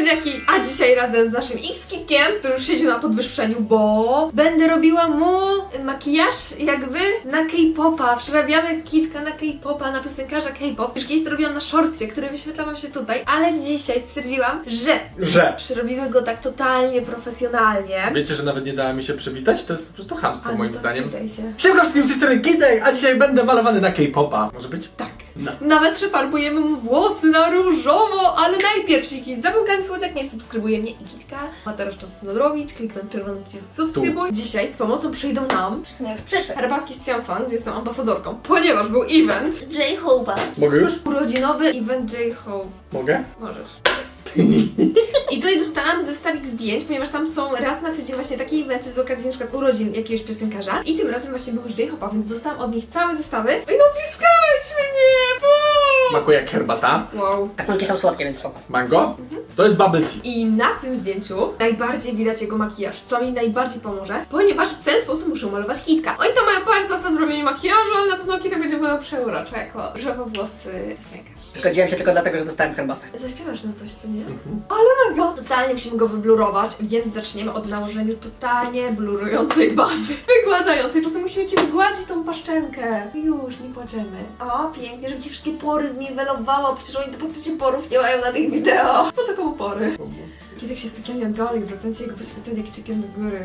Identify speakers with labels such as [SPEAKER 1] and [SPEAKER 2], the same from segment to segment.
[SPEAKER 1] Słodziaki, a dzisiaj razem z naszym X-Kitkiem, który już siedzi na podwyższeniu, bo będę robiła mu makijaż jakby na K-popa. Przerabiamy Kitka na K-popa, na piosenkarza K-pop. Już kiedyś to robiłam na shortcie, który wyświetla wam się tutaj, ale dzisiaj stwierdziłam, że przerobimy go tak totalnie profesjonalnie.
[SPEAKER 2] Wiecie, że nawet nie dała mi się przywitać? To jest po prostu chamstwo moim zdaniem.
[SPEAKER 1] Witaj się.
[SPEAKER 2] Siemka wszystkim, z tej strony Kitek, a dzisiaj będę malowany na K-popa. Może być?
[SPEAKER 1] Tak.
[SPEAKER 2] No.
[SPEAKER 1] Nawet przefarbujemy mu włosy na różowo, ale najpierw jeśli zamykany słodziak nie subskrybuje mnie i Kitka, ma teraz czas nadrobić, kliknąć czerwony przycisk subskrybuj. Dzisiaj z pomocą przyjdą nam
[SPEAKER 3] W sumie już przyszły.
[SPEAKER 1] herbatki z Cianfan, gdzie jestem ambasadorką, ponieważ był event,
[SPEAKER 3] J-Hope'a.
[SPEAKER 2] Mogę już?
[SPEAKER 1] urodzinowy event J-Hope.
[SPEAKER 2] Mogę?
[SPEAKER 1] Możesz. I tutaj dostałam zestawik zdjęć, ponieważ tam są raz na tydzień właśnie takie eventy z okazji na przykład urodzin jakiegoś piosenkarza. I tym razem właśnie był już J-Hope'a, więc dostałam od nich całe zestawy. I napiskałeś mnie!
[SPEAKER 2] Smakuje jak herbata.
[SPEAKER 1] Wow.
[SPEAKER 3] Tak, kulki są słodkie, więc spoko.
[SPEAKER 2] Mango? To jest bubble tea.
[SPEAKER 1] I na tym zdjęciu najbardziej widać jego makijaż, co mi najbardziej pomoże, ponieważ w ten sposób muszę malować Kitka. Oni to mają parę zasad w robieniu makijażu, ale na pewno Kitek będzie wyglądał przeuroczo jako żywowłosy piosenkarz.
[SPEAKER 3] Zgodziłem się tylko dlatego, że dostałem herbatę.
[SPEAKER 1] Zaśpiewasz nam coś, co nie? Ale mega! Totalnie musimy go wyblurować, więc zaczniemy od nałożenia totalnie blurującej bazy. Wygładzającej, po prostu musimy ci wygładzić tą paszczenkę. Już, nie płaczemy. O, pięknie, żeby ci wszystkie pory zniwelowało, przecież oni to praktycznie porów nie mają na tych wideo. Po co komu pory? Kitek się specjalnie ogolił, docencie jego poświęcenie kciukiem do góry.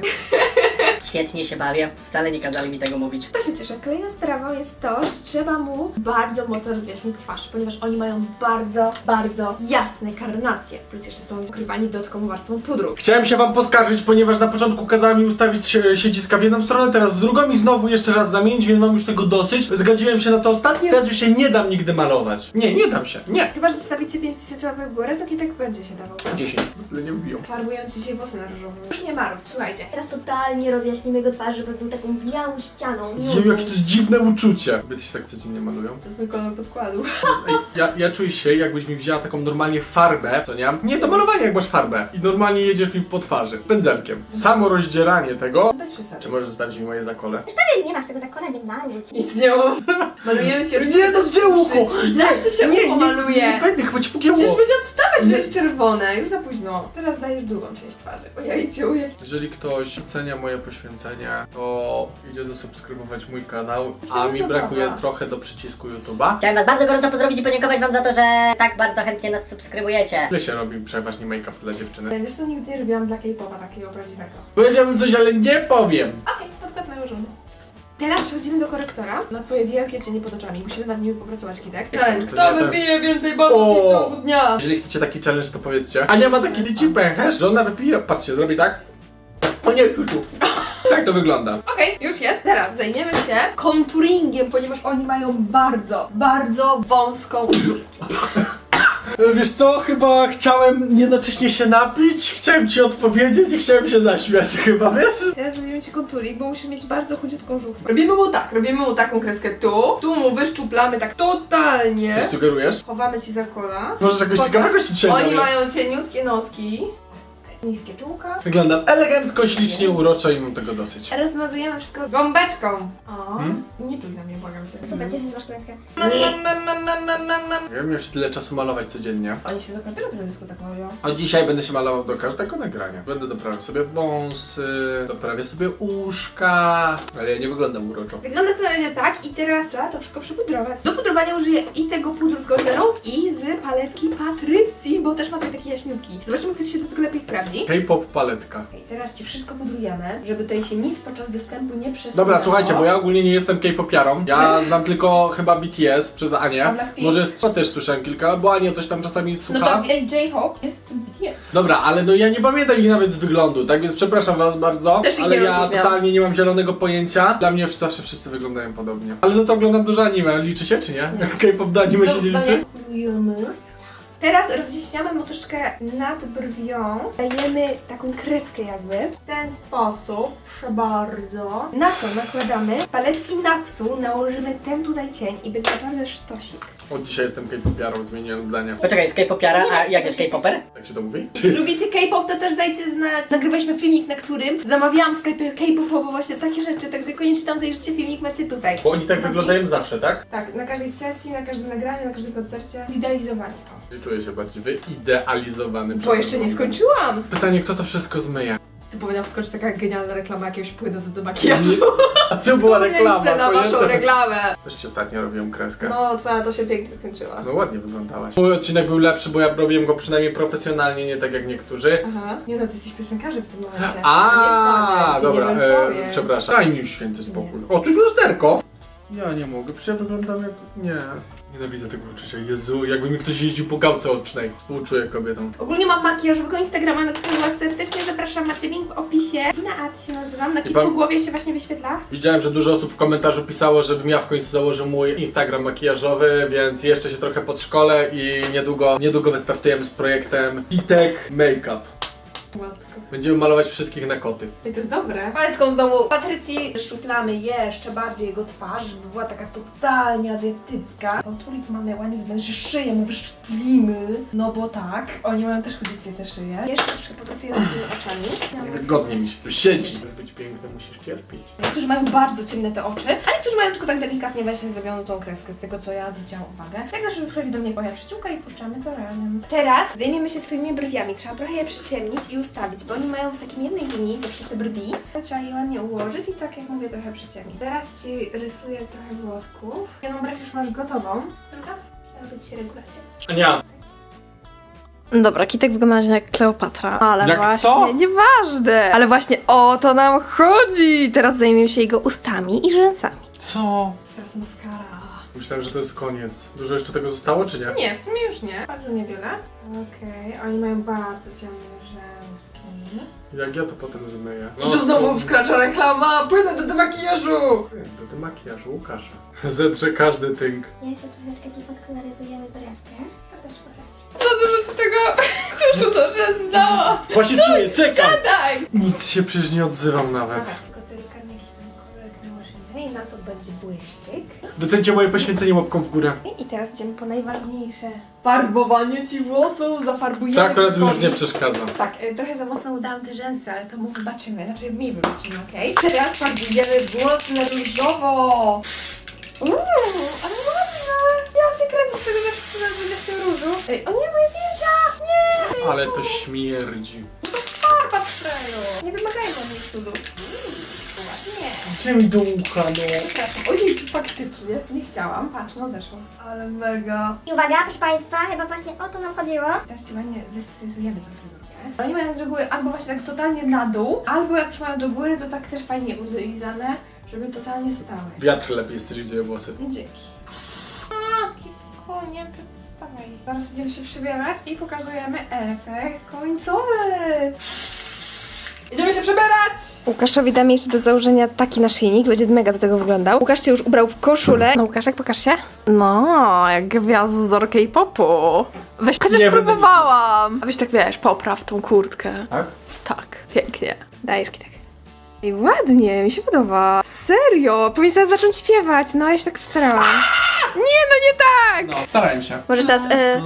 [SPEAKER 3] Świetnie się bawię. Wcale nie kazali mi tego mówić.
[SPEAKER 1] To się cieszę. Kolejną sprawą jest to, że trzeba mu bardzo mocno rozjaśnić twarz, ponieważ oni mają bardzo, bardzo jasne karnacje. Plus jeszcze są ukrywani dodatkową warstwą pudru.
[SPEAKER 2] Chciałem się wam poskarżyć, ponieważ na początku kazała mi ustawić siedziska w jedną stronę, teraz w drugą i znowu jeszcze raz zamienić, więc mam już tego dosyć. Zgodziłem się na to ostatni raz, już się nie dam nigdy malować. Nie dam się. Nie.
[SPEAKER 1] Chyba, że zostawicie 5000 łapek w górę, to Kitek będzie się dawał.
[SPEAKER 2] 10. Tyle nie wbiją.
[SPEAKER 1] Farbują ci się włosy na różowo. Już nie marudź, słuchajcie.
[SPEAKER 4] Teraz totalnie rozjaśnimy go twarz, żeby był taką białą ścianą.
[SPEAKER 2] Jeju, jakie to jest dziwne uczucie. Kobiety się tak codziennie malują.
[SPEAKER 1] To jest mój kolor podkładu.
[SPEAKER 2] Ej, ja czuję się, jakbyś mi wzięła taką normalnie farbę, co nie? Nie do malowania, jak masz farbę. I normalnie jedziesz mi po twarzy. Pędzelkiem. Samo rozdzieranie tego.
[SPEAKER 1] Bez przesady.
[SPEAKER 2] Czy możesz zostawić mi moje zakole?
[SPEAKER 4] Prawie nie masz tego zakona, nie marudź.
[SPEAKER 1] Nic nie mam. Malujemy cię.
[SPEAKER 2] Nie, no gdzie ucho?
[SPEAKER 1] Zawsze się ucho maluje.
[SPEAKER 2] Nie będę, chyba ci pogięło.
[SPEAKER 1] Przecież będzie odstawać, że jest czerwone. Już za późno. Teraz dajesz drugą część twarzy. Ojejciu,
[SPEAKER 2] Jeżeli ktoś ocenia moje poświęcenie, to idzie zasubskrybować mój kanał, a
[SPEAKER 1] Sama
[SPEAKER 2] mi
[SPEAKER 1] zabawa.
[SPEAKER 2] brakuje trochę do przycisku YouTube'a.
[SPEAKER 3] Chciałem was bardzo gorąco pozdrowić i podziękować wam za to, że tak bardzo chętnie nas subskrybujecie.
[SPEAKER 2] Ile się robi przeważnie make-up dla dziewczyny?
[SPEAKER 1] Wiesz co, nigdy nie robiłam dla K-popa takiego prawdziwego.
[SPEAKER 2] Powiedziałbym coś, ale nie powiem.
[SPEAKER 1] Okej, podkład nałożony. Teraz przechodzimy do korektora na twoje wielkie cienie pod oczami. Musimy nad nimi popracować, Kitek.
[SPEAKER 2] To
[SPEAKER 1] Kto
[SPEAKER 2] nie
[SPEAKER 1] wypije więcej barwów w ciągu dnia?
[SPEAKER 2] Jeżeli chcecie taki challenge, to powiedzcie. Ania ma taki liczy pęcherz, że ona wypije, patrzcie, zrobi tak. O nie, już. Tak to wygląda.
[SPEAKER 1] Okej, już jest. Teraz zajmiemy się konturingiem, ponieważ oni mają bardzo, bardzo wąską...
[SPEAKER 2] Wiesz co, chyba chciałem jednocześnie się napić, chciałem ci odpowiedzieć i chciałem się zaśmiać chyba, wiesz?
[SPEAKER 1] Teraz zrobimy ci konturing, bo musimy mieć bardzo chudziutką żółwkę. Robimy mu taką kreskę tu mu wyszczuplamy tak totalnie.
[SPEAKER 2] Coś sugerujesz?
[SPEAKER 1] Chowamy ci za kola.
[SPEAKER 2] Może czegoś
[SPEAKER 1] Pokaż.
[SPEAKER 2] ciekawego się dzisiaj
[SPEAKER 1] Oni
[SPEAKER 2] dowie.
[SPEAKER 1] mają cieniutkie noski, niskie czułka.
[SPEAKER 2] Wyglądam elegancko, ślicznie, uroczo i mam tego dosyć.
[SPEAKER 1] Rozmazujemy wszystko gąbeczką. O, nie pluj na mnie, błagam cię.
[SPEAKER 4] Super, cieszę się, że masz koleżkę.
[SPEAKER 2] Ja miałem się tyle czasu malować codziennie.
[SPEAKER 1] Oni się do każdego teledysku tak malują.
[SPEAKER 2] A dzisiaj będę się malował do każdego nagrania. Będę doprawiał sobie wąsy, doprawię sobie uszka, ale ja nie wyglądam uroczo.
[SPEAKER 1] Wygląda to na razie tak i teraz trzeba to wszystko przypudrować. Do pudrowania użyję i tego pudru z Golden Rose i z paletki Patrycji, bo też ma tutaj takie jaśniutki. Zobaczymy, który się do tego lepiej sprawdzi.
[SPEAKER 2] K-pop paletka.
[SPEAKER 1] Okej, teraz ci wszystko pudrujemy, żeby tutaj się nic podczas występu nie przesunęło.
[SPEAKER 2] Dobra, słuchajcie, bo ja ogólnie nie jestem K-popiarą. Ja znam tylko chyba BTS przez
[SPEAKER 1] A
[SPEAKER 2] Anię.
[SPEAKER 1] Blackpink?
[SPEAKER 2] Może też słyszałem kilka, bo Ania coś tam czasami
[SPEAKER 1] No
[SPEAKER 2] słucha.
[SPEAKER 1] to widać J-Hope jest z BTS.
[SPEAKER 2] Dobra, ale no ja nie pamiętam ich nawet z wyglądu, tak więc przepraszam was bardzo,
[SPEAKER 1] Też ich
[SPEAKER 2] ale
[SPEAKER 1] nie
[SPEAKER 2] ja
[SPEAKER 1] rozróżniam.
[SPEAKER 2] totalnie nie mam zielonego pojęcia. Dla mnie zawsze wszyscy wyglądają podobnie. Ale za to oglądam dużo anime, liczy się czy nie? K-pop do anime się nie liczy?
[SPEAKER 1] Teraz rozjaśniamy mu troszeczkę nad brwią. Dajemy taką kreskę jakby. W ten sposób. Proszę bardzo. Na to nakładamy z paletki Natsu, nałożymy ten tutaj cień i będzie naprawdę sztosik.
[SPEAKER 2] Od dzisiaj jestem K-popiarą, zmieniłem zdanie.
[SPEAKER 3] Poczekaj, jest K-popiara, a jak jest K-poper?
[SPEAKER 2] Jak się to mówi?
[SPEAKER 1] Lubicie K-pop, to też dajcie znać. Nagrywaliśmy filmik, na którym zamawiałam w sklepie K-popowo właśnie takie rzeczy, także koniecznie tam zajrzyjcie, filmik macie tutaj.
[SPEAKER 2] Bo oni tak wyglądają zawsze, tak?
[SPEAKER 1] Tak, na każdej sesji, na każdym nagraniu, na każdym koncercie. Idealizowanie.
[SPEAKER 2] Nie czuję się bardziej wyidealizowany.
[SPEAKER 1] Bo jeszcze nie skończyłam.
[SPEAKER 2] Pytanie, kto to wszystko zmyje?
[SPEAKER 1] Tu powinna wskoczyć taka genialna reklama jakiegoś płynu do makijażu.
[SPEAKER 2] A tu była reklama,
[SPEAKER 1] Miejsce na
[SPEAKER 2] co nie?
[SPEAKER 1] waszą reklamę.
[SPEAKER 2] Też ci ostatnio robiłem kreskę.
[SPEAKER 1] No, twoja to się pięknie skończyła.
[SPEAKER 2] No ładnie wyglądałaś. Mój odcinek był lepszy, bo ja robiłem go przynajmniej profesjonalnie, nie tak jak niektórzy.
[SPEAKER 1] Aha. Nie no, ty jesteś piosenkarzem w tym momencie.
[SPEAKER 2] A,
[SPEAKER 1] nie
[SPEAKER 2] dobra,
[SPEAKER 1] fanem, ty nie wiem, powiedz.
[SPEAKER 2] przepraszam. Daj mi już święty spokój. O, tu jest lusterko! Ja nie mogę, przecież ja wyglądam jak... Nie. Nienawidzę tego uczucia. Jezu, jakby mi ktoś jeździł po gałce ocznej. Współczuję kobietom.
[SPEAKER 1] Ogólnie mam makijażowego Instagrama, na którego was serdecznie zapraszam. Macie link w opisie. Naat się nazywam. Na kilku
[SPEAKER 2] pan-
[SPEAKER 1] głowie się właśnie wyświetla.
[SPEAKER 2] Widziałem, że dużo osób w komentarzu pisało, żebym ja w końcu założył mój Instagram makijażowy, więc jeszcze się trochę podszkolę i niedługo wystartujemy z projektem Kitek Makeup.
[SPEAKER 1] Matko.
[SPEAKER 2] Będziemy malować wszystkich na koty.
[SPEAKER 1] I to jest dobre. Paletką znowu Patrycji szczuplamy jeszcze bardziej jego twarz, żeby była taka totalnie azjatycka. Konturik mamy ładnie zwęży szyję, mu wyszczuplimy. No bo tak. Oni mają też chudziutkie te szyje. Jeszcze troszkę popracuję nad tymi oczami.
[SPEAKER 2] Wygodnie mi się tu siedzi. Żeby być piękny, musisz cierpieć.
[SPEAKER 1] Niektórzy mają bardzo ciemne te oczy, a niektórzy mają tylko tak delikatnie właśnie zrobioną tą kreskę, z tego co ja zwróciłam uwagę. Jak zawsze przychodzi do mnie moja przyjaciółka i puszczamy to razem. Teraz zajmiemy się twoimi brwiami. Trzeba trochę je przyciemnić i ustawić, bo oni mają w takim jednej linii zawsze te brwi. Trzeba je ładnie ułożyć i tak jak mówię trochę przyciemnić. Teraz ci rysuję trochę włosków. Jedną brew już masz gotową. Prawda? Miała być regulacja.
[SPEAKER 2] Ania,
[SPEAKER 1] Dobra, Kitek wygląda jak Kleopatra. Ale
[SPEAKER 2] Jak
[SPEAKER 1] właśnie,
[SPEAKER 2] co?
[SPEAKER 1] nieważne. Ale właśnie o to nam chodzi. Teraz zajmiemy się jego ustami i rzęsami.
[SPEAKER 2] co?
[SPEAKER 1] Teraz maskara.
[SPEAKER 2] Myślałem, że to jest koniec. Dużo jeszcze tego zostało, czy nie?
[SPEAKER 1] Nie, w sumie już nie. Bardzo niewiele. Okej, oni mają bardzo ciemne rzęski.
[SPEAKER 2] Jak ja to potem zmyję?
[SPEAKER 1] I tu znowu wkracza reklama, płynę do makijażu!
[SPEAKER 2] Do makijażu Łukasza. Zetrze każdy tynk.
[SPEAKER 4] Jeszcze troszeczkę ci podkoloryzujemy brewkę. To też
[SPEAKER 1] Co dużo ci tego tuszu to się zdało!
[SPEAKER 2] Właśnie czuję, czekam!
[SPEAKER 1] Daj!
[SPEAKER 2] Nic się przecież nie odzywam nawet.
[SPEAKER 1] Dobra, tylko delikatnie jakiś tam kolorek nałożymy i na to będzie błyszczyk.
[SPEAKER 2] Docencie moje poświęcenie łapką w górę.
[SPEAKER 1] I teraz idziemy po najważniejsze. Farbowanie ci włosów, zafarbujemy.
[SPEAKER 2] Tak akurat mi już
[SPEAKER 1] Kitkowi.
[SPEAKER 2] nie przeszkadza.
[SPEAKER 1] Tak, trochę za mocno udałam te rzęsy, ale to mu wybaczymy, znaczy mi wybaczymy, okej? Teraz farbujemy włosy na różowo! Ale ładne! Ja cię kręcę z tego, że wszyscy nas będzie w tym różu. Ej, o nie, moje zdjęcia! Nie!
[SPEAKER 2] Ale to śmierdzi.
[SPEAKER 1] Farba w sprayu! Nie wymagajmy od nich cudów. Ładnie.
[SPEAKER 2] Gdzie mi do ucha, no?
[SPEAKER 1] Przepraszam, ojej, faktycznie. Nie chciałam, patrz, no zeszło. Ale mega.
[SPEAKER 4] I uwaga, proszę Państwa, chyba właśnie o to nam chodziło.
[SPEAKER 1] Teraz ci ładnie wystylizujemy tę fryzurkę. Oni mają z reguły albo właśnie tak totalnie na dół, albo jak już mają do góry, to tak też fajnie uzylizane, żeby totalnie stały.
[SPEAKER 2] Wiatr lepiej stylizuje włosy.
[SPEAKER 1] I dzięki. Kitku, nie przedstawaj. Zaraz idziemy się przebierać i pokazujemy efekt końcowy. Idziemy się przebierać! Łukaszowi damy jeszcze do założenia taki naszyjnik, będzie mega do tego wyglądał. Łukasz cię już ubrał w koszulę. No Łukaszek, pokaż się. No, jak gwiazdor K-popu. Weź, chociaż
[SPEAKER 2] Nie będę
[SPEAKER 1] próbowałam. A weź tak, wiesz, popraw tą kurtkę.
[SPEAKER 2] Tak?
[SPEAKER 1] Tak, pięknie. Dajesz Kitek. Ej, ładnie, mi się podoba. Serio, powinnaś teraz zacząć śpiewać. No, ja się tak postarałam. Nie, no nie tak!
[SPEAKER 2] No, starałem się.
[SPEAKER 4] Może teraz,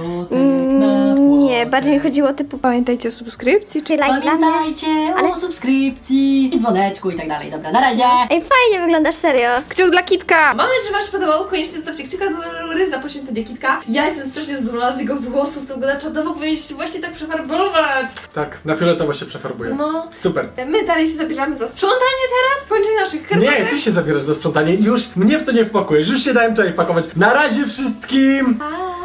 [SPEAKER 4] nie, bardziej mi chodziło typu,
[SPEAKER 1] Pamiętajcie o subskrypcji,
[SPEAKER 4] czy like dla mnie.
[SPEAKER 3] Pamiętajcie o subskrypcji, dzwoneczku i tak dalej. Dobra, na razie!
[SPEAKER 4] Ej, fajnie wyglądasz, serio.
[SPEAKER 1] Kciuk dla Kitka! Mam nadzieję, że wam się podobało. Koniecznie zostawcie kciuka do góry za poświęcenie Kitka. Ja jestem strasznie zadowolona z jego włosów, co wygląda czadowo. Powinniście właśnie tak przefarbować.
[SPEAKER 2] Tak, na fioletowo się przefarbuję.
[SPEAKER 1] No.
[SPEAKER 2] Super.
[SPEAKER 1] My dalej się zabierzamy za sprzątanie teraz. Kończenie naszych herbatek.
[SPEAKER 2] Nie, ty się zabierasz za sprzątanie i już mnie w to nie wpakujesz. Już się dałem tutaj wpakować. Na razie wszystkim!
[SPEAKER 1] Pa!